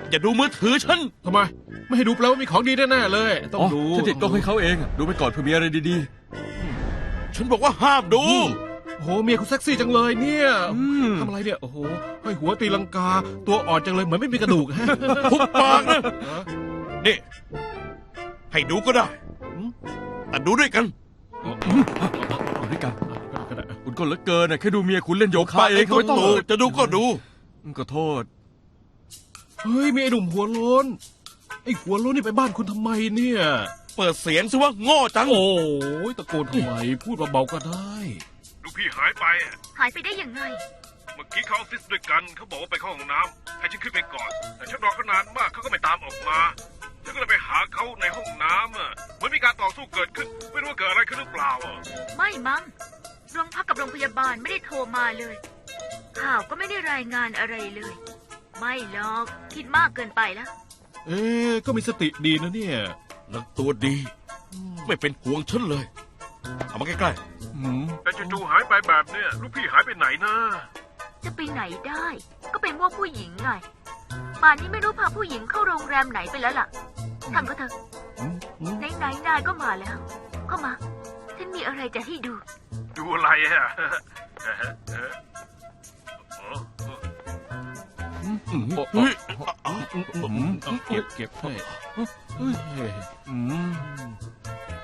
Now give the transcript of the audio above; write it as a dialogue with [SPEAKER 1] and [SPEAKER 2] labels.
[SPEAKER 1] อย่าดูมือถือฉัน
[SPEAKER 2] ทำไมไม่ให้ดูแปลว่ามีของดีแน่ๆเลยต้องดู
[SPEAKER 3] ฉันติดกล้องให้เขาเองดูไปก่อนเพื่อมีอะไรดี
[SPEAKER 1] ฉันบอกว่าห้ามดู
[SPEAKER 2] โอ้โหเมียคุณเซ็กซี่จังเลยเนี่ย
[SPEAKER 3] ๆ
[SPEAKER 2] ทำอะไรเนี่ยโอ้โหให้หัวตีลังกาตัวอ่อนจังเลยเหมือนไม่มีกระดูกฮะ
[SPEAKER 1] ทุบปากนะนี่ให้ดูก็ได้แต่ดูด้วยกัน
[SPEAKER 3] อยู่ด้วยกัน
[SPEAKER 2] ก็ได้
[SPEAKER 3] คุณก็เหลือเกินแค่ดูเมียคุณเล่นโยคะ
[SPEAKER 1] ปาก
[SPEAKER 3] เอ
[SPEAKER 1] เอง ง
[SPEAKER 3] เขา
[SPEAKER 1] ก็
[SPEAKER 3] ไม่ต้อง
[SPEAKER 1] ดูจะดูก็ดู
[SPEAKER 3] ก็โทษ
[SPEAKER 2] เฮ้ยมีไอ้หนุ่มหัวโล้นไอ้หัวโล้นนี่ไปบ้านคุณทำไมเนี่ย
[SPEAKER 1] เปิดเสียงสิว่าโง่จัง
[SPEAKER 2] โอ้ยตะโกนทำไมพูดเบาๆก็ได้
[SPEAKER 4] ลูกพี่หายไปอะ
[SPEAKER 5] หายไปได้ยังไง
[SPEAKER 4] เมื่อกี้เข้าออฟฟิศด้วยกันเขาบอกว่าไปเข้าห้องน้ำให้ฉันขึ้นไปก่อน แต่ฉันรอเขานานมากเขาก็ไม่ตามออกมาฉันก็เลยไปหาเขาในห้องน้ำอะเหมือนมีการต่อสู้เกิดขึ้น ไม่รู้ว่าเกิดอะไรขึ้นหรือเปล่าอะ
[SPEAKER 5] ไม่มั้งโรงพักกับโรงพยาบาลไม่ได้โทรมาเลย ข่าวก็ไม่ได้รายงานอะไรเลย ไม่หรอกคิดมากเกินไปแล้ว
[SPEAKER 2] เอ๊ะก็มีสติดีนะเนี่ย
[SPEAKER 1] แล้วตัวดี ไม่เป็นห่วงฉันเลย เอามาใกล้
[SPEAKER 4] แต่จู่ๆหายไปแบบเนี้ยลูกพี่หายไปไหนนะ
[SPEAKER 5] จะไปไหนได้ ก็เป็นว่าผู้หญิงไง ป่านนี้ไม่รู้พาผู้หญิงเข้าโรงแรมไหนไปแล้วล่ะทำก็เถอะไหนๆนายก็มาแล้ว เข้ามา ฉันมีอะไรจะให้ดู
[SPEAKER 4] ดูอะไรอะ
[SPEAKER 1] ๆเฮ้ย
[SPEAKER 2] เก็บให้เฮ้ย